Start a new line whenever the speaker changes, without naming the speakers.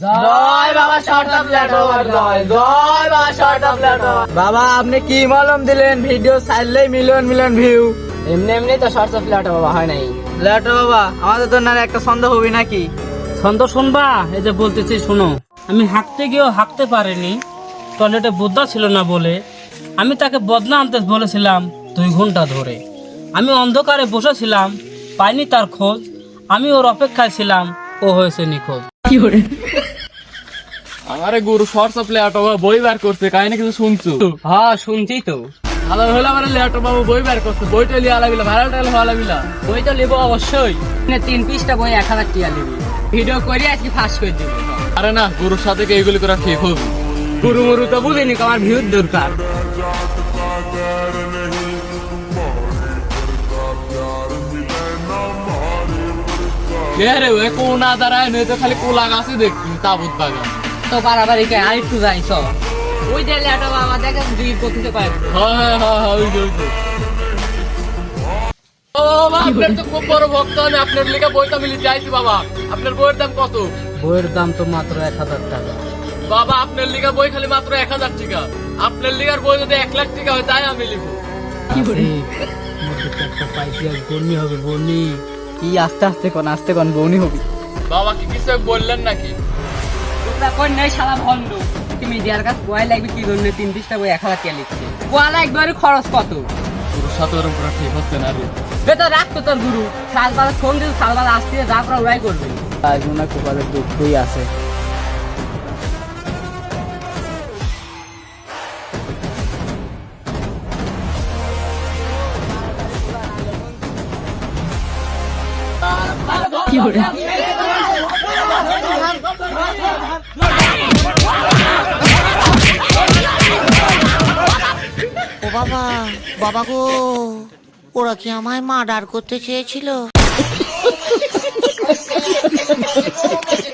জয় বাবা short of letter জয় জয় বাবা শর্ট অফ লেটার।
বাবা আপনি কি মলম দিলেন? ভিডিও ছাড়লেই মিলিয়ন মিলিয়ন ভিউ।
এমনি এমনি তো শর্ট অফ লেটার বাবা হয় নাই।
লেটার বাবা আমাদের তো না একটা ছন্দ হবি নাকি?
ছন্দ শুনবা? এই যে বলতেছি শোনো। আমি হাঁকতে গিয়েও হাঁকতে পারিনি, টয়লেটে বোদ্ধা ছিল না বলে। আমি তাকে বদনা আনতে বলেছিলাম 2 ঘন্টা ধরে। আমি অন্ধকারে বসেছিলাম, পাইনি তার খোঁজ। আমি ওর অপেক্ষায় ছিলাম, ও হয়েছে নিখোঁজ।
আমারে গুরু শর্টস অফ লেটার বাবা বই বার করছে, কাহিনী কিছু শুনছো?
হ্যাঁ শুনছি তো।
ভালো হলো আমার লেটার বাবু বই বার করছে, বইটা লিয়ে আলাবিলা ভাইরাল টাইল হওয়া লাগিলা।
বই তো নেবো অবশ্যই। 3 পৃষ্ঠা বই 1000 টাকা নিবি। ভিডিও করে আজকে ফাঁস করে দিবি।
আরে না, গুরুর সাথে কি এইগুলি করা ঠিক হবে?
গুরু মুরু তো বুঝিনি, আমার ভিউর দরকার।
কে রে ওই কোনা দাঁড়ায় নয় তো খালি কোলা গাছে দেখছি তাবুত বাগান।
তো বাড়াবাড়ি কে আর একটু যাই সব। ওই যে লেটা বাবা দেখে দুই পথিতে পায়।
হ্যাঁ ওই যে। ও বাবা আপনার তো খুব বড় ভক্ত, আমি আপনার লেখা বইটা মিলি চাইছি বাবা। আপনার বইয়ের দাম কত?
বইয়ের দাম তো মাত্র 1000 টাকা।
বাবা আপনার লেখা বই খালি মাত্র 1000 টাকা। আপনার লেখার বই যদি 1 লাখ টাকা হয় তাই আমি লিখবো।
একটা পাইছি আর বন্যি হবে বন্যি।
কি আস্তে আস্তে কোন বউনি হবি।
বাবা কি কিছু বললেন নাকি?
তোমরা কোন নাই শালা ভন্ড। তুমি দেয়ার কাছে বয় লাগবে কি জন্য 3 পৃষ্ঠা বই 1000 টাকা লিখছে। বলা একবারে খরচ কত?
গুরুর সাথে ওরকম করা ঠিক হচ্ছে না রে।
বেটা রাখতো তোর গুরু। সালবালা ফোন দিল, সালবালা আসতে যা করা ওরাই করবে।
আজ মনে কপালে দুঃখই আছে।
ও বাবা, বাবা গো, ওরা কি আমায় মার্ডার করতে চেয়েছিল?